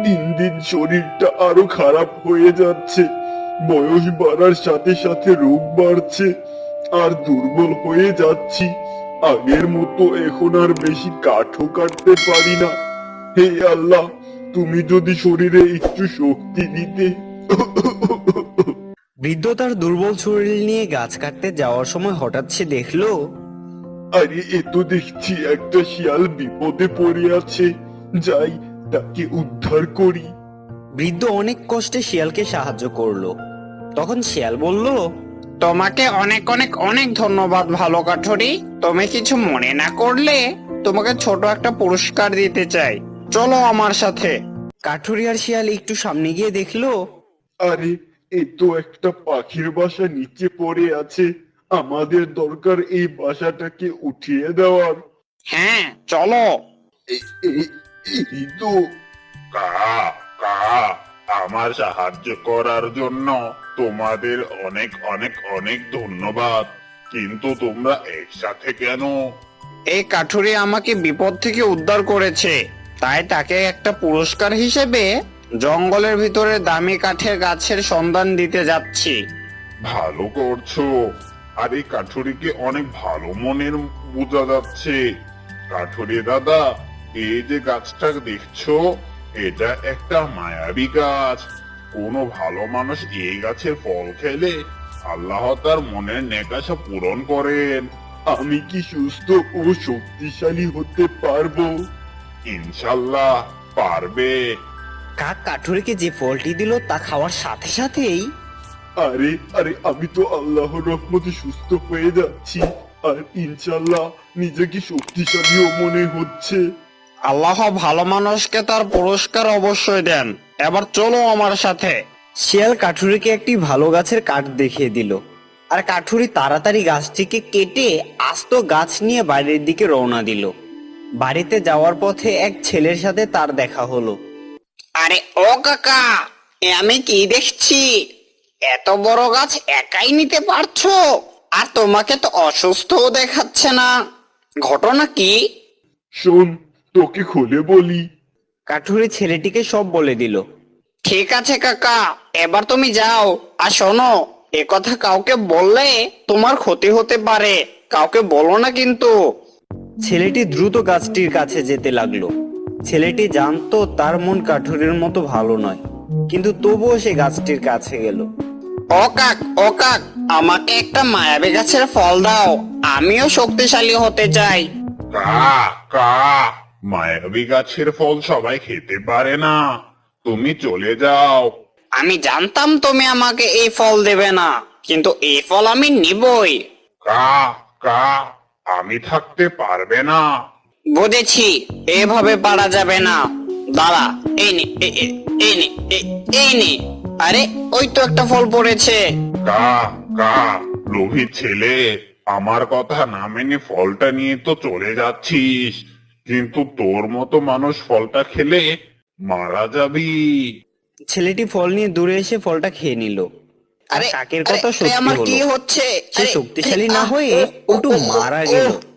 দিন দিন শরীরটা আরো খারাপ হয়ে যাচ্ছে। বয়স বাড়ার সাথে সাথে রোগ বাড়ছে, আর দুর্বল হয়ে যাচ্ছি। আগের মতো এখন আর বেশি কাঠও কাটতে পারি না। হে আল্লাহ, তুমি যদি শরীরে একটু শক্তি দিতে। বৃদ্ধ তার দুর্বল শরীর নিয়ে গাছ কাটতে যাওয়ার সময় হঠাৎ সে দেখলো আরে এ তো দেখছি একটা শিয়াল বিপদে পড়ে আছে। যাই, তাকে উদ্ধার করি। বৃদ্ধ অনেক কষ্টে শিয়ালকে সাহায্য করলো। তখন শিয়াল বলল, তোমাকে অনেক অনেক অনেক ধন্যবাদ ভালো কাঠুরি। তুমি কিছু মনে না করলে তোমাকে ছোট একটা পুরস্কার দিতে চাই, চলো আমার সাথে। কাঠুরি আর শিয়াল একটু সামনে গিয়ে দেখলো আরে এ তো একটা পাখির বাসা নিচে পড়ে আছে। আমাদের দরকার এই বাসাটাকে উঠিয়ে দেওয়ার। হ্যাঁ চলো। এই তো। কা কা আমার সাহায্য করার জন্য তোমাদের অনেক অনেক অনেক ধন্যবাদ। কিন্তু তোমরা একসাথে কেন? এই কাঠুরি আমাকে বিপদ থেকে উদ্ধার করেছে, তাই তাকে একটা পুরস্কার হিসেবে জঙ্গলের ভিতরে দামি কাঠের গাছের সন্ধান দিতে যাচ্ছি। ভালো করছো। আর এই কাঠুরিকে অনেক ভালো মনের বোঝা যাচ্ছে। কাঠুরি দাদা, এই যে গাছটা দেখছো, এটা একটা মায়াবী গাছ। কোনো ভালো মানুষ এই গাছের ফল খেলে আল্লাহ তার মনের নেকাশা পূরণ করেন। আমি কি সুস্থ ও শক্তিশালী হতে পারবো? ইনশাল্লাহ পারবে। কাক কাঠুরিকে যে ফলটি দিল তা খাওয়ার সাথে সাথেই আরে আরে আমি তো আল্লাহর রহমতে সুস্থ হয়ে যাচ্ছি, আর ইনশাল্লাহ নিজেকে শক্তিশালীও মনে হচ্ছে। আল্লাহ ভালো মানুষকে তার পুরস্কার অবশ্যই দেন। এবার চলো আমার সাথে। শিয়াল কাঠুরিকে একটি ভালো গাছের কাঠ দেখিয়ে দিল, আর কাঠুরি তাড়াতাড়ি গাছটিকে কেটে আস্ত গাছ নিয়ে বাড়ির দিকে রওনা দিল। বাড়িতে যাওয়ার পথে এক ছেলের সাথে তার দেখা হলো। আরে ও কাকা, এ আমি কি দেখছি? এত বড় গাছ একাই নিতে পারছো? আর তোমাকে তো অসুস্থও দেখাচ্ছে না, ঘটনা কি? শোন, তোকে খুলে বলি। কাঠুরি ছেলেটিকে সব বলে দিল। ঠিক আছে কাকা, এবার তুমি যাও। আর শোনো, এ কথা কাউকে বললে তোমার ক্ষতি হতে পারে, কাউকে বলো না কিন্তু। ছেলেটি দ্রুত গাছটির কাছে যেতে লাগলো। ছেলেটি জানতো তার মন কাঠুরির মতো ভালো নয়, কিন্তু তবুও সে গাছটির কাছে গেল। ও কাক, আমাকে একটা মায়াবী গাছের ফল দাও, আমিও শক্তিশালী হতে চাই। কা কা মায়াবী গাছের ফল সবাই খেতে পারে না। তুমি চলে যাও। আমি জানতাম তুমি আমাকে এই ফল দেবে না, কিন্তু এই ফল আমি নিবই। কা কা আমি থাকতে পারবে না। বুঝেছি, এভাবে পারা যাবে না। দাঁড়া, এই নে, এই নে, এই নে। আরে ওই তো একটা ফল পড়েছে। কা কা লোভী ছেলে, আমার কথা না মেনে ফলটা নিয়ে তো চলে যাচ্ছিস, কিন্তু তোর মতো মানুষ ফলটা খেলে মারা যাবি। ছেলেটি ফল নিয়ে দূরে এসে ফলটা খেয়ে নিল। আর আরে কাকের আরে, কথা আরে, সত্যি আমার হলো। কি হচ্ছে? সে আরে, শক্তিশালী না আহ, হয়ে ও, ও, একটু ও, মারা ও, গেল।